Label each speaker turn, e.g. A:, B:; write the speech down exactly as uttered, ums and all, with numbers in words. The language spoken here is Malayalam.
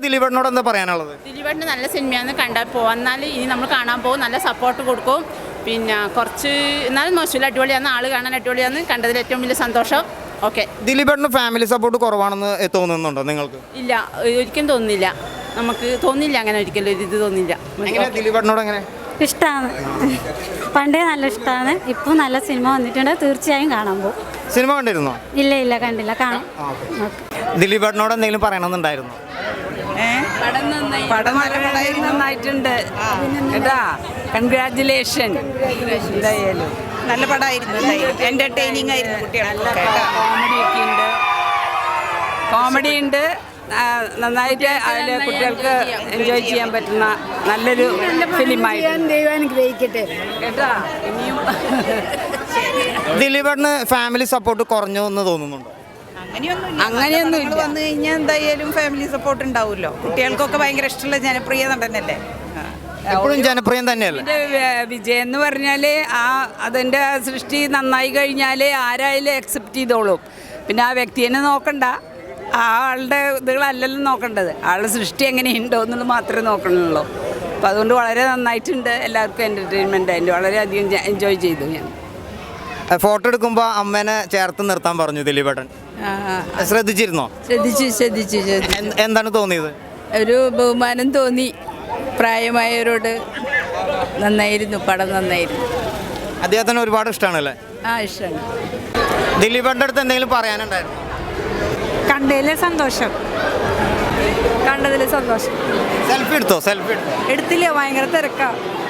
A: ദിലീപേട്ടനോട് എന്താ പറയാനുള്ളത്?
B: ദിലീപേട്ടന് നല്ല സിനിമയാണ്, കണ്ടാൽ പോന്നാൽ ഇനി നമ്മൾ കാണാൻ പോകും, നല്ല സപ്പോർട്ട് കൊടുക്കും. പിന്നെ കുറച്ച് എന്നാലും മോശമില്ല, അടിപൊളിയാണ്, ആൾ കാണാൻ അടിപൊളിയാണ്, കണ്ടതിൽ ഏറ്റവും വലിയ സന്തോഷം. ഓക്കെ.
A: ദിലീപേട്ടന് ഫാമിലി സപ്പോർട്ട് കുറവാണെന്ന് തോന്നുന്നുണ്ടോ നിങ്ങൾക്ക്?
B: ഇല്ല, ഒരിക്കലും തോന്നുന്നില്ല, നമുക്ക് തോന്നില്ല അങ്ങനെ, ഒരിക്കലും ഒരു ഇത് തോന്നില്ല.
A: ദിലീപേട്ടനോട് എങ്ങനെ?
C: ഇഷ്ടമാണ്, പണ്ടേ നല്ല ഇഷ്ടമാണ്. ഇപ്പം നല്ല സിനിമ വന്നിട്ടുണ്ട്, തീർച്ചയായും കാണാൻ പോകും.
A: സിനിമ കണ്ടിരുന്നോ?
C: ഇല്ല ഇല്ല കണ്ടില്ല, കാണാം.
A: ദിലീപേട്ടനോട് എന്തെങ്കിലും പറയണമെന്നുണ്ടായിരുന്നു?
D: പടം നന്നായിട്ടുണ്ട് കേട്ടാ, കൺഗ്രാറ്റുലേഷൻ. എന്തായാലും നല്ല പടമായിരുന്നു, എന്റർടൈനിങ് ആയിരുന്നു. കുട്ടികൾക്ക് കോമഡി ഒക്കെ ഉണ്ട്, കോമഡി ഉണ്ട്, നന്നായിട്ട് അതിൽ കുട്ടികൾക്ക് എൻജോയ് ചെയ്യാൻ പറ്റുന്ന നല്ലൊരു ഫിലിമായിരുന്നു.
C: ദൈവം അനുഗ്രഹിക്കട്ടെ
D: കേട്ടാ. ഇനിയും
A: ദിലീപേട്ടന് ഫാമിലി സപ്പോർട്ട് കുറഞ്ഞു എന്ന് തോന്നുന്നുണ്ടോ?
D: അങ്ങനെയൊന്നും ഇല്ല. വന്നു കഴിഞ്ഞാൽ എന്തായാലും ഫാമിലി സപ്പോർട്ട് ഉണ്ടാവുമല്ലോ. കുട്ടികൾക്കൊക്കെ ഭയങ്കര ഇഷ്ടമുള്ള ജനപ്രിയ നടനല്ലേ,
A: എപ്പോഴും ജനപ്രിയം തന്നെയല്ലേ.
D: വിജയം എന്ന് പറഞ്ഞാൽ ആ അതിൻ്റെ സൃഷ്ടി നന്നായി കഴിഞ്ഞാൽ ആരായാലും അക്സെപ്റ്റ് ചെയ്തോളും. പിന്നെ ആ വ്യക്തിനെ നോക്കണ്ട, ആ ആളുടെ ഇതുകളല്ലല്ലോ നോക്കേണ്ടത്, ആളുടെ സൃഷ്ടി എങ്ങനെയുണ്ടോ എന്നുള്ളത് മാത്രമേ നോക്കണുള്ളൂ. അപ്പോൾ അതുകൊണ്ട് വളരെ നന്നായിട്ടുണ്ട്, എല്ലാവർക്കും എൻ്റർടൈൻമെൻ്റ് ആയിട്ട് വളരെയധികം എൻജോയ് ചെയ്തു. ഞാൻ
A: ഫോട്ടോ എടുക്കുമ്പോൾ അമ്മേനെ ചേർത്ത് നിർത്താൻ പറഞ്ഞു ദിലീപേട്ടൻ, ശ്രദ്ധിച്ചിരുന്നോ?
D: ശ്രദ്ധിച്ചു ശ്രദ്ധിച്ചു
A: എന്താണ് തോന്നിയത്?
D: ഒരു ബഹുമാനം തോന്നി, പ്രായമായവരോട്. നന്നായിരുന്നു, പടം നന്നായിരുന്നു.
A: അദ്ദേഹത്തിന് ഒരുപാട് ഇഷ്ടമാണല്ലേ?
D: ആ, ഇഷ്ടമാണ്.
A: ദിലീപേട്ടൻ്റെ അടുത്ത് എന്തെങ്കിലും പറയാനുണ്ടായിരുന്നു?
D: കണ്ടതിൽ സന്തോഷം, കണ്ടതിൽ സന്തോഷം.
A: സെൽഫി എടുത്തോ? സെൽഫി എടുത്തോ?
D: എടുത്തില്ല, ഭയങ്കര തിരക്കാ.